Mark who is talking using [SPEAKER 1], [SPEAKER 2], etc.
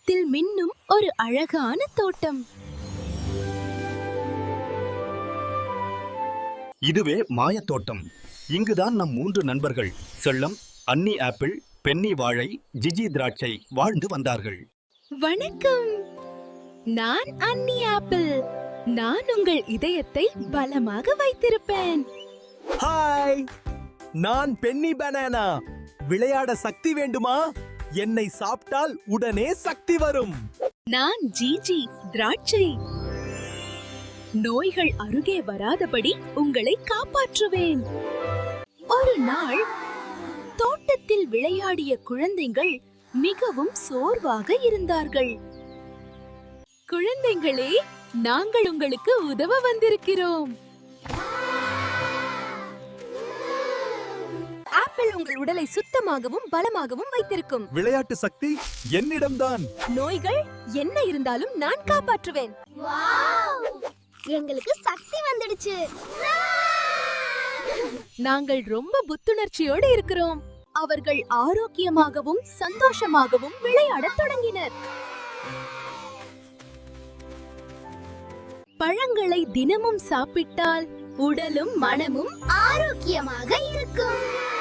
[SPEAKER 1] தோட்டத்தில் மின்னும் ஒரு அழகான தோட்டம்.
[SPEAKER 2] இதுவே மாயத்தோட்டம். இங்குதான் நம் 3 நண்பர்கள் செல்லம், அன்னி ஆப்பிள், பென்னி வாழை, ஜிஜி திராட்சை வாழ்ந்து வந்தார்கள்.
[SPEAKER 1] வணக்கம், நான் அன்னி ஆப்பிள். நான் உங்கள் இதயத்தை பலமாக வைத்திருப்பேன்.
[SPEAKER 3] ஹாய், நான் பென்னி பனானா. விளையாட சக்தி வேண்டுமா? என்னை சாப்பிட்டால் உடனே சக்தி வரும்.
[SPEAKER 1] நான் ஜிஜி திராட்சை. நோய்கள் அருகே வராதபடி உங்களை காப்பாற்றுவேன். ஒரு நாள் தோட்டத்தில் விளையாடிய குழந்தைகள் மிகவும் சோர்வாக இருந்தார்கள். குழந்தைகளே, நாங்கள் உங்களுக்கு உதவ வந்திருக்கிறோம். ஆப்பிள் உங்கள் உடலை சுத்தமாகவும் பலமாகவும் வைத்திருக்கும்.
[SPEAKER 3] விளையாட்டு சக்தி என்னிடம்தான்.
[SPEAKER 1] நோய்கள் என்ன இருந்தாலும் நான் காப்பாற்றுவேன்.
[SPEAKER 4] எங்களுக்கு சக்தி வந்துடுச்சு.
[SPEAKER 1] நாங்கள் ரொம்ப புத்துணர்ச்சியோடு இருக்கிறோம். அவர்கள் ஆரோக்கியமாகவும் சந்தோஷமாகவும் விளையாடத் தொடங்கினர். பழங்களை தினமும் சாப்பிட்டால் உடலும் மனமும்
[SPEAKER 4] ஆரோக்கியமாக இருக்கும்.